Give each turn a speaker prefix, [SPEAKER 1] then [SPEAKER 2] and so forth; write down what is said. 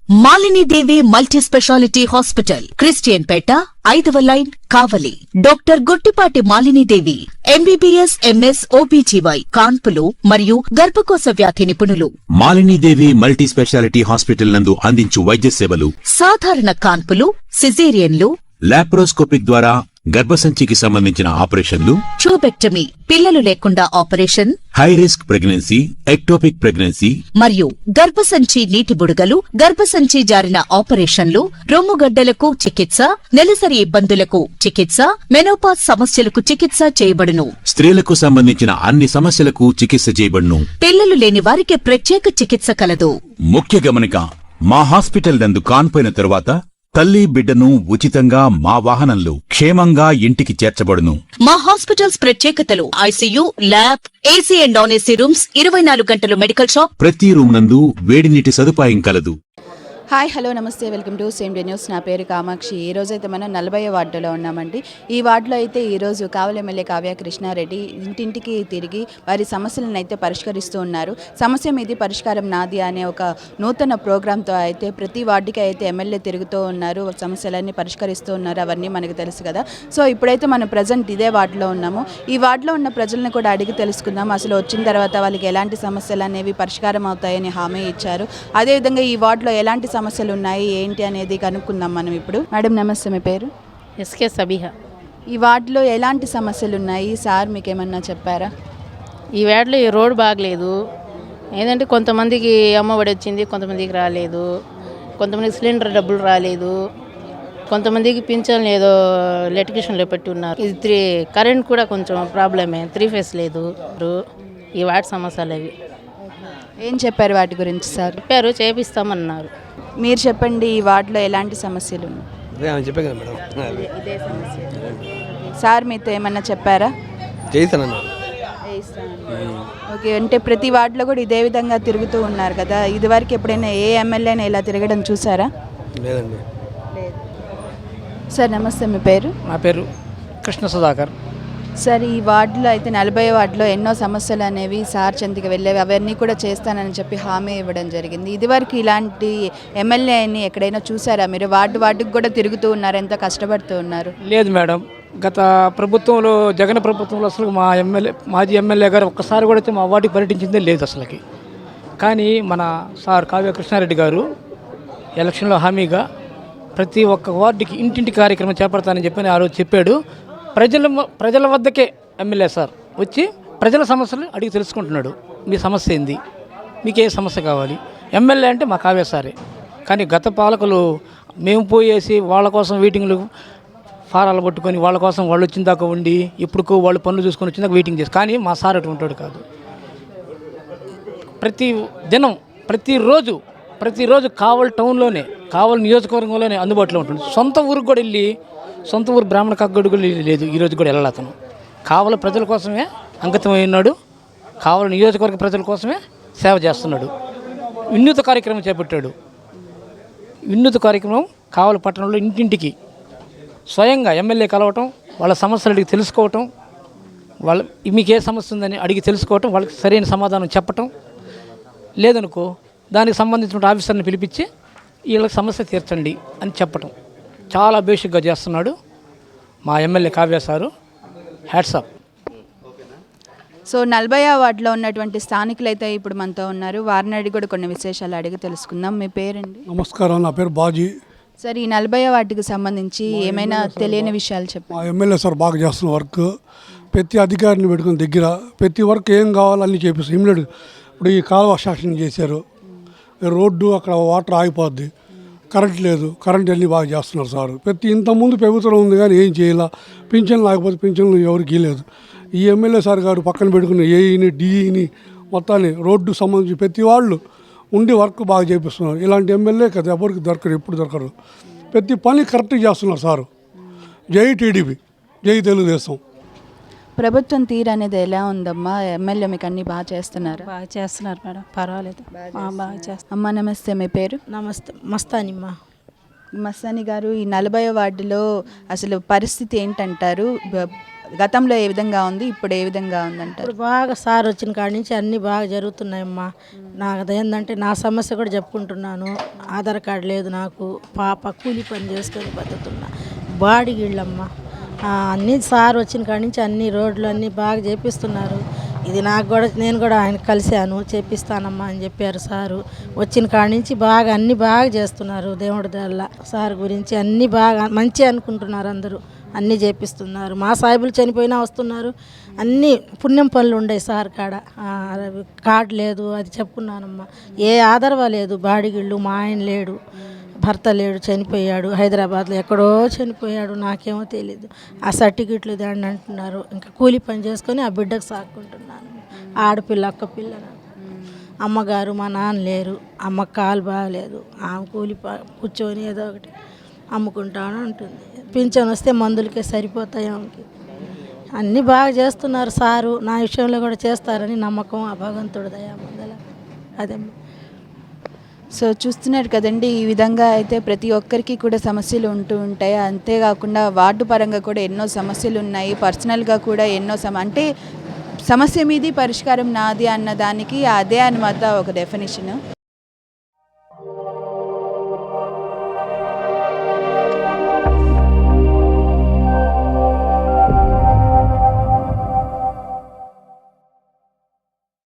[SPEAKER 1] Malini Devi multi speciality hospital, Christian Peta, 5వ line, Kavali. Doctor Guttipati Malinidevi, MBBS, MS, OBGY, కాన్పులు మరియు గర్భకోశ వ్యాధి నిపుణులు.
[SPEAKER 2] మాలినీదేవి మల్టీ స్పెషాలిటీ హాస్పిటల్ నందు అందించు వైద్య సేవలు:
[SPEAKER 1] సాధారణ కాన్పులు, సిజేరియన్లు,
[SPEAKER 2] లాప్రోస్కోపిక్ ద్వారా గర్భసంచికి సంబంధించిన ఆపరేషన్లు,
[SPEAKER 1] ట్యూబెక్టమీ, పిల్లలు లేకుండా operation,
[SPEAKER 2] high risk pregnancy, ectopic pregnancy
[SPEAKER 1] మరియు గర్భసంచి నీటి బుడగలు, గర్భసంచి జారిన ఆపరేషన్లు, రొమ్ముగడ్డలకు చికిత్స, నెలసరి ఇబ్బందులకు చికిత్స, మెనోపాజ్ సమస్యలకు చికిత్స చేయబడును.
[SPEAKER 2] స్త్రీలకు సంబంధించిన అన్ని సమస్యలకు చికిత్స చేయబడును.
[SPEAKER 1] పిల్లలు లేని వారికి ప్రత్యేక చికిత్స కలదు.
[SPEAKER 2] ముఖ్య గమనిక: మా హాస్పిటల్ నందు కాన్పోయిన తరువాత తల్లి బిడ్డను ఉచితంగా మా వాహనంలో క్షేమంగా ఇంటికి చేర్చబడును.
[SPEAKER 1] మా హాస్పిటల్స్ ప్రత్యేకతలు: ICU, lab, AC and non AC rooms, 24 గంటలు మెడికల్ షాప్,
[SPEAKER 2] ప్రతి రూమ్ నందు వేడి నీటి సదుపాయం కలదు.
[SPEAKER 3] హాయ్, హలో, నమస్తే, welcome to same day news. నా పేరు కామాక్షి. ఈరోజు అయితే మనం 40వ వార్డులో ఉన్నామండి. ఈ వార్డులో అయితే ఈరోజు కావలి ఎమ్మెల్యే కావ్య కృష్ణారెడ్డి ఇంటింటికి తిరిగి వారి సమస్యలను అయితే పరిష్కరిస్తూ ఉన్నారు. సమస్య మీది పరిష్కారం నాది అనే ఒక నూతన ప్రోగ్రాంతో అయితే ప్రతి వార్డుకి అయితే ఎమ్మెల్యే తిరుగుతూ ఉన్నారు, సమస్యలన్నీ పరిష్కరిస్తూ ఉన్నారు. అవన్నీ మనకు తెలుసు కదా. సో ఇప్పుడైతే మనం ప్రజెంట్ ఇదే వార్డులో ఉన్నాము. ఈ వార్డులో ఉన్న ప్రజలను కూడా అడిగి తెలుసుకుందాం. అసలు వచ్చిన తర్వాత వాళ్ళకి ఎలాంటి సమస్యలు అనేవి పరిష్కారం అవుతాయని హామీ ఇచ్చారు. అదేవిధంగా ఈ వార్డులో ఎలాంటి సమస్యలు ఉన్నాయి ఏంటి అనేది కనుక్కుందాం మనం ఇప్పుడు. మేడం నమస్తే, మీ పేరు?
[SPEAKER 4] ఎస్కే సబీహా.
[SPEAKER 3] ఈ వార్డులో ఎలాంటి సమస్యలు ఉన్నాయి సార్, మీకు ఏమన్నా చెప్పారా?
[SPEAKER 4] ఈ వార్డులో ఈ రోడ్ బాగలేదు. ఏంటంటే కొంతమందికి అమ్మఒడి వచ్చింది, కొంతమందికి రాలేదు, కొంతమందికి సిలిండర్ డబ్బులు రాలేదు, కొంతమందికి పింఛన్ ఏదో ఎలక్ట్రిషన్లో పెట్టి ఉన్నారు. ఇది కరెంట్ కూడా కొంచెం ప్రాబ్లమే, 3 ఫేస్ లేదు. ఈ వార్డు సమస్యలు అవి.
[SPEAKER 3] ఏం చెప్పారు వాటి గురించి సార్?
[SPEAKER 4] చెప్పారు, చేపిస్తామన్నారు.
[SPEAKER 3] మీరు చెప్పండి, ఈ వార్డులో ఎలాంటి సమస్యలు ఉన్నాయి?
[SPEAKER 5] చెప్పే కదా మేడం.
[SPEAKER 3] ఇదే సమస్య. సార్ మీతో ఏమన్నా చెప్పారా? ఓకే, అంటే ప్రతి వార్డులో కూడా ఇదే విధంగా తిరుగుతూ ఉన్నారు కదా. ఇదివరకు ఎప్పుడైనా ఏ ఎమ్మెల్యేని ఇలా తిరగడం చూసారా?
[SPEAKER 5] లేదండి.
[SPEAKER 3] సార్ నమస్తే, మీ పేరు?
[SPEAKER 6] నా పేరు కృష్ణ సుధాకర్.
[SPEAKER 3] సార్ ఈ వార్డులో అయితే 40వ వార్డులో ఎన్నో సమస్యలు అనేవి సార్ చెందికి వెళ్ళేవి, అవన్నీ కూడా చేస్తానని చెప్పి హామీ ఇవ్వడం జరిగింది. ఇదివరకు ఇలాంటి ఎమ్మెల్యేని ఎక్కడైనా చూసారా మీరు? వార్డుకి కూడా తిరుగుతూ ఉన్నారు, ఎంతో కష్టపడుతూ ఉన్నారు.
[SPEAKER 6] లేదు మేడం, గత ప్రభుత్వంలో, జగన్ ప్రభుత్వంలో అసలు మాజీ ఎమ్మెల్యే గారు ఒక్కసారి కూడా వచ్చి మా వార్డుకి పర్యటించిందే లేదు అసలుకి. కానీ మన సార్ కావ్య కృష్ణారెడ్డి గారు ఎలక్షన్లో హామీగా ప్రతి ఒక్క వార్డుకి ఇంటింటి కార్యక్రమం చేపడతానని చెప్పి ఆ రోజు చెప్పాడు. ప్రజల వద్దకే ఎమ్మెల్యే సార్ వచ్చి ప్రజల సమస్యలు అడిగి తెలుసుకుంటున్నాడు. మీ సమస్య ఏంది, మీకు ఏ సమస్య కావాలి? ఎమ్మెల్యే అంటే మా కావ్య సారే. కానీ గత పాలకులు మేము పోయేసి వాళ్ళ కోసం వెయిటింగ్లు ఫారాలు పట్టుకొని వాళ్ళ కోసం వాళ్ళు వచ్చిన దాకా ఉండి ఇప్పుడు వాళ్ళు పనులు చూసుకొని వచ్చిన దాకా వెయిటింగ్ చేసి, కానీ మా సార్ అటు ఉంటాడు కాదు. ప్రతి దినం ప్రతిరోజు కావలి టౌన్లోనే, కావలి నియోజకవర్గంలోనే అందుబాటులో ఉంటుంది. సొంత ఊరికి కూడా వెళ్ళి, సొంత ఊరు బ్రాహ్మణ కగ్గడు లేదు, ఈరోజు కూడా వెళ్ళాలి. అతను కావలి ప్రజల కోసమే అంకితమై ఉన్నాడు, కావలి నియోజకవర్గ ప్రజల కోసమే సేవ చేస్తున్నాడు. వినూత్న కార్యక్రమం చేపట్టాడు. వినూత్న కార్యక్రమం కావలి పట్టణంలో ఇంటింటికి స్వయంగా ఎమ్మెల్యే కలవటం, వాళ్ళ సమస్యలు అడిగి తెలుసుకోవటం, మీకు ఏ సమస్య ఉందని అడిగి తెలుసుకోవటం, వాళ్ళకి సరైన సమాధానం చెప్పటం, లేదనుకో దానికి సంబంధించిన ఆఫీసర్ని పిలిపించి వీళ్ళకి సమస్య తీర్చండి అని చెప్పటం చాలా బేసిక్గా చేస్తున్నాడు మా MLA Kavya sir. Hats off.
[SPEAKER 3] So 40వ వార్డులో ఉన్నటువంటి స్థానికులు అయితే ఇప్పుడు మనతో ఉన్నారు. వారిని అడిగి కూడా కొన్ని విశేషాలు అడిగి తెలుసుకుందాం. మీ పేరండి?
[SPEAKER 7] నమస్కారం, నా పేరు బాజీ.
[SPEAKER 3] సార్ ఈ 40వ వార్డుకి సంబంధించి ఏమైనా తెలియని విషయాలు చెప్పండి.
[SPEAKER 7] మా ఎమ్మెల్యే సార్ బాగా చేస్తున్న వర్క్, ప్రతి అధికారిని పెట్టుకుని దగ్గర ప్రతి వర్క్ ఏం కావాలో అన్నీ చేపిస్తాం. ఇమ్మీడియట్ ఇప్పుడు ఈ కాలువ శాసనం చేశారు, రోడ్డు అక్కడ వాటర్ ఆగిపోద్ది, కరెంట్ లేదు, కరెంట్ అన్నీ బాగా చేస్తున్నారు సార్. ఇంతకుముందు ప్రభుత్వం ఉంది కానీ ఏం చేయాల, పింఛన్లు లేకపోతే పింఛన్లు ఎవరికి లేదు. ఈ ఎమ్మెల్యే సార్ గారు పక్కన పెట్టుకుని ఏఈని డిఈని మొత్తాన్ని రోడ్డు సంబంధించి ప్రతి వాళ్ళు ఉండి వర్క్ బాగా చేపిస్తున్నారు. ఇలాంటి ఎమ్మెల్యే కదా ఎవరికి దొరకరు, ఎప్పుడు దొరకరు. ప్రతి పని కరెక్ట్గా చేస్తున్నారు సారు. జై టీడీపీ, జై తెలుగుదేశం.
[SPEAKER 3] ప్రభుత్వం తీరు అనేది ఎలా ఉందమ్మా? ఎమ్మెల్యే మీకు అన్నీ బాగా చేస్తున్నారు?
[SPEAKER 8] బాగా చేస్తున్నారు మేడం, పర్వాలేదు, బాగా చేస్తున్నారు.
[SPEAKER 3] అమ్మ నమస్తే, మీ పేరు?
[SPEAKER 8] నమస్తే, మస్తానిమ్మ.
[SPEAKER 3] మస్తాని గారు, ఈ 40వ వార్డులో అసలు పరిస్థితి ఏంటంటారు? గతంలో ఏ విధంగా ఉంది, ఇప్పుడు ఏ విధంగా ఉందంటారు?
[SPEAKER 8] ఇప్పుడు బాగా సార్ వచ్చిన కాడి నుంచి అన్నీ బాగా జరుగుతున్నాయమ్మా. నాకు అదేంటంటే నా సమస్య కూడా చెప్పుకుంటున్నాను. ఆధార్ కార్డు లేదు నాకు, పాప కూలి పని చేసుకొని బతుకుతున్నా, బాడిగిళ్ళమ్మా. అన్నీ సార్ వచ్చిన కాడి నుంచి అన్ని రోడ్లు అన్నీ బాగా చేపిస్తున్నారు. ఇది నాకు కూడా, నేను కూడా ఆయన కలిశాను, చేపిస్తానమ్మా అని చెప్పారు సారు. వచ్చిన కాడి నుంచి బాగా అన్నీ బాగా చేస్తున్నారు. దేవుడి దల్ల సార్ గురించి అన్నీ బాగా మంచి అనుకుంటున్నారు అందరూ. అన్నీ చేపిస్తున్నారు. మా సాయిబులు చనిపోయినా వస్తున్నారు. అన్నీ పుణ్యం పనులు ఉండే సార్ కాడ. కార్డు లేదు అది చెప్పుకున్నానమ్మా. ఏ ఆధారవా లేదు. బాడిగిళ్ళు, మా ఆయన లేడు, భర్త లేడు, చనిపోయాడు హైదరాబాద్లో, ఎక్కడో చనిపోయాడు, నాకేమో తెలీదు. ఆ సర్టిఫికెట్లు దాన్ని అంటున్నారు. ఇంకా కూలి పని చేసుకొని ఆ బిడ్డకు సాక్కుంటున్నాను. ఆడపిల్ల, ఒక్క పిల్ల నాకు. అమ్మగారు మా నాన్న లేరు, అమ్మకు కాలు బాగలేదు, ఆమె కూలి కూర్చొని ఏదో ఒకటి అమ్ముకుంటాను ఉంటుంది. పింఛన్ వస్తే మందులకే సరిపోతాయి ఆమెకి. అన్నీ బాగా చేస్తున్నారు సారు. నా విషయంలో కూడా చేస్తారని నమ్మకం ఆ భగవంతుడి దయ ముందల. అదే
[SPEAKER 3] సో చూస్తున్నారు కదండి, ఈ విధంగా అయితే ప్రతి ఒక్కరికి కూడా సమస్యలు ఉంటూ ఉంటాయి. అంతేకాకుండా వార్డు పరంగా కూడా ఎన్నో సమస్యలు ఉన్నాయి, పర్సనల్గా కూడా ఎన్నో అంటే సమస్య మీది పరిష్కారం నాది అన్న దానికి అదే అనమాట ఒక డెఫినేషన్.